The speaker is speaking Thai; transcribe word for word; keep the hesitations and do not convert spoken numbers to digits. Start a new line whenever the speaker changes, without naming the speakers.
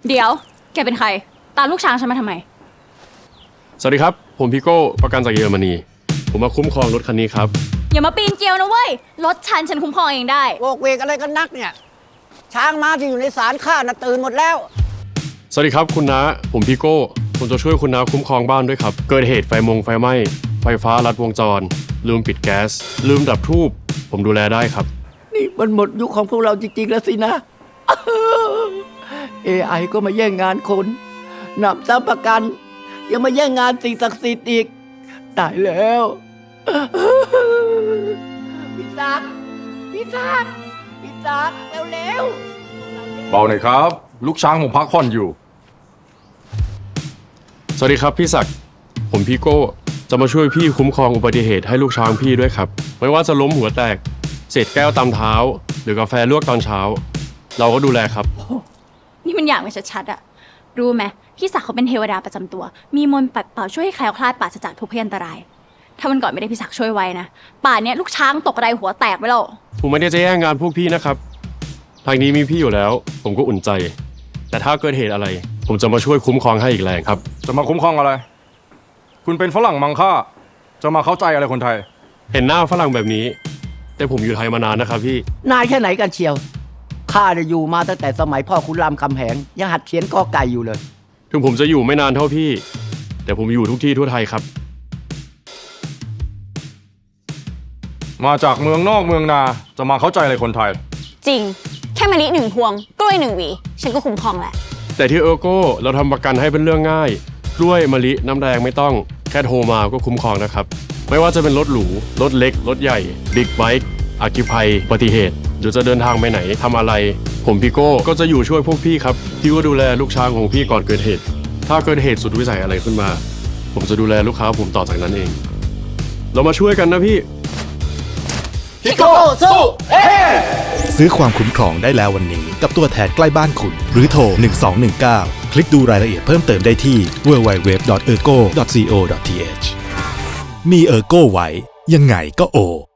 เดี๋ยวแกเป็นใครตามลูกช้างฉันมาทำไม
สวัสดีครับผมพี่โก้ประกันจากเยอรมนีผมมาคุ้มครองรถคันนี้ครับ
อย่ามาปีนเกลียวนะเว้ยรถฉันฉันคุ้มครองเองได้
โวกเวกอะไรกันนักเนี่ยช้างม้าที่อยู่ในศาลข้าน่ะตื่นหมดแล้ว
สวัสดีครับคุณน้าผมพี่โก้ผมจะช่วยคุณน้าคุ้มครองบ้านด้วยครับเกิดเหตุไฟมงไฟไหม้ไฟฟ้าลัดวงจรลืมปิดแก๊สลืมดับทูบผมดูแลได้ครับ
นี่มันหมดยุคของพวกเราจริงๆแล้วสินะ เอ ไอ ก็มาแย่งงานคนหนับซ้ำประกันยังมาแย่งงานสิ่งศักดิ์สิทธิ์อีกตายแล้วพี่ศักดิ์พี่ศักดิ์พี่ศักดิ์เร็วๆ
เบาหน่อยครับลูกช้างผมพักผ่อนอยู่
สวัสดีครับพี่ศักดิ์ผมพี่โก้จะมาช่วยพี่คุ้มครองอุบัติเหตุให้ลูกช้างพี่ด้วยครับไม่ว่าจะล้มหัวแตกเศษแก้วตามเท้าหรือกาแฟลวกตอนเช้าเราก็ดูแลครับ
นี่มันอย่างไม่ชัดๆอะรู้ไหมพี่ศักดิ์เขาเป็นเทวดาประจำตัวมีมนต์ปัดเป่าช่วยให้แคล้วคลาดปราศจากทุกพยันตรายถ้าวันก่อนไม่ได้พี่ศักดิ์ช่วยไว้นะป่านนี้ลูกช้างตกไรหัวแตกไปแล้ว
ผมไม่ได้จะแย่งงานพวกพี่นะครับทางนี้มีพี่อยู่แล้วผมก็อุ่นใจแต่ถ้าเกิดเหตุอะไรผมจะมาช่วยคุ้มครองให้อีกแรงครับ
จะมาคุ้มครองอะไรคุณเป็นฝรั่งมังค่าจะมาเข้าใจอะไรคนไทย
เห็นหน้าฝรั่งแบบนี้แต่ผมอยู่ไทยมานานนะครับพี่
นายแค่ไหนกันเชียวข้าจะอยู่มาตั้งแต่สมัยพ่อคุณรามคำแหงยังหัดเขียนกอไก่อยู่เลย
ถึงผมจะอยู่ไม่นานเท่าพี่แต่ผมอยู่ทุกที่ทั่วไทยครับ
มาจากเมืองนอกเมืองนาจะมาเข้าใจอะไรคนไทย
จริงแค่มะลิหนึ่งพวงกล้วยหนึ่งหวีฉันก็คุ้มครองแหละ
แต่ที่เออร์โก้เราทำประกันให้เป็นเรื่องง่ายกล้วยมะลิน้ำแดงไม่ต้องแค่โทรมาก็คุ้มครองนะครับไม่ว่าจะเป็นรถหรูรถเล็กรถใหญ่บิ๊กไบค์อัคคีภัยอุบัติเหตุหรือจะเดินทางไปไหนทำอะไรผมพี่โก้ก็จะอยู่ช่วยพวกพี่ครับพี่ก็ดูแลลูกช้างของพี่ก่อนเกิดเหตุถ้าเกิดเหตุสุดวิสัยอะไรขึ้นมาผมจะดูแลลูกค้าผมต่อจากนั้นเองเรามาช่วยกันนะพี่
พี่โก้สู้เอ๊
ซื้อความคุ้มครองได้แล้ววันนี้กับตัวแทนใกล้บ้านคุณหรือโทรหนึ่งสองหนึ่งเก้าคลิกดูรายละเอียดเพิ่มเติมได้ที่ ดับเบิลยู ดับเบิลยู ดับเบิลยู ดอท เออร์โก้ ดอท ซี โอ ดอท ที เอช มีเออร์โก้ไว้ยังไงก็โอ